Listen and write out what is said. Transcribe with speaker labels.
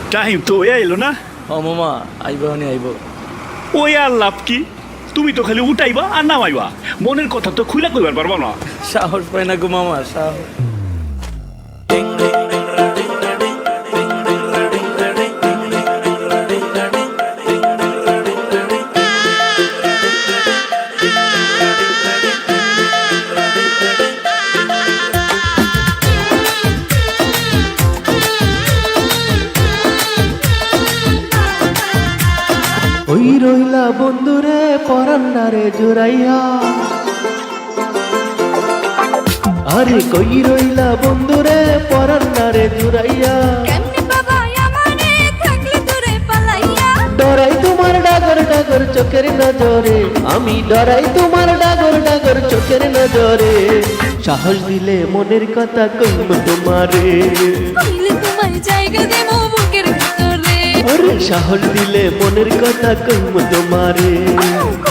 Speaker 1: Time তো এলো না।
Speaker 2: ও মামা আইব হনি আইব।
Speaker 1: ওই আর লাভ কি? তুমি তো খালি উঠাইবা আর নামাইবা, মনের কথা তো খুলে কইবার পারবা না।
Speaker 2: সাহস পাই না গো মামা, সাহস।
Speaker 3: ওই রইলা বন্ধুরে পরান্নারে জোরাইয়া, আরে কই রইলা বন্ধুরে পরান্নারে জোরাইয়া।
Speaker 4: কেমনে বাবা আমারে থাকলে দূরে পালাইয়া,
Speaker 3: ডরাই তোমার ডাগর ডাগর চোখের নজরে, আমি ডরাই তোমার ডাগর ডাগর চোখের নজরে। সাহস দিলে মনের কথা কইব তোমারে,
Speaker 4: কইলে তোমার জায়গা দেব বুকের ভিতরে।
Speaker 3: আরে সাহস দিলে মনের কথা কইব তোমারে।